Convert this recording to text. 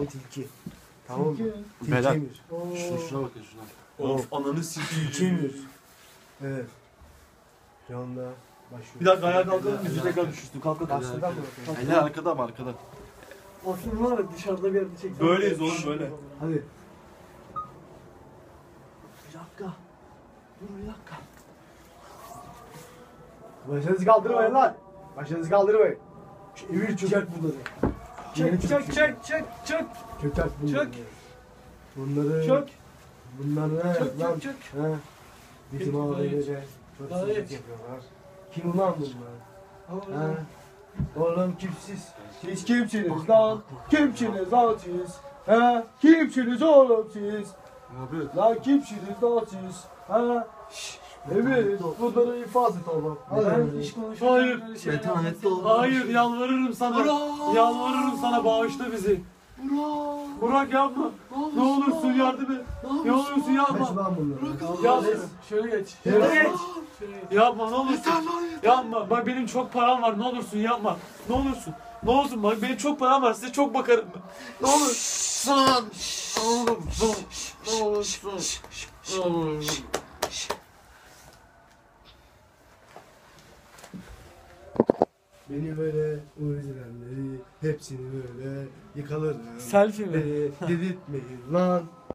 seni tilki. Tamam mı? Beyler. Tilki Emir. Şuna bakın şuna. Of ananı sikeyim. Tilki Emir. Evet. Şu anda başlıyor. Bir dakika ayağa kalkalım yüzü tekrar düşürsün. Kalk kalk. Başladan mı? Eller arkada mı arkada? Aslında var ya dışarıda bir yerde çektim. Böyleyiz oğlum böyle. Hadi. Bir dakika. Dur bir dakika. Başınızı kaldırmayın lan. Başınızı kaldırmayın. Şu Emir çökert bunları. Çek çek çek çek çek. Çökert bunları. Çök. Bunları. Çök. Bunları ne Çök, lan? çök, çök. He. Bizim Çök, ailece çok gayet. sıkıntı yapıyorlar. Kim ulan bunlar? He. Oğlum kimsiz? Siz kimsiniz lan? Kimsiniz lan siz? He? Kimsiniz oğlum siz? Abi. Lan kimsiniz lan siz? He? Evet, bunları infaz et oğlum. Ben hiç konuşmayacağım. Hayır. böyle şeyler Metanetli yapmasın. ol. Hayır yalvarırım sana. Burak. Yalvarırım sana bağışla bizi. Burak. Burak yapma. Ne olursun yardım et. Ne olursun Kaç yapma. lan bunları? Yapma. Şöyle geç. Şöyle geç. Yapma ne olursun. Yapma. Bak benim çok param var. Ne olursun yapma. Ne olursun. Ne olsun bak benim çok param var. Size çok bakarım. Ne olur. San. Oğlum. Ne olursun. Ne olursun. Beni böyle uğraşanları hepsini böyle yıkalarım. Selfie mi? Beni dedirtmeyin lan.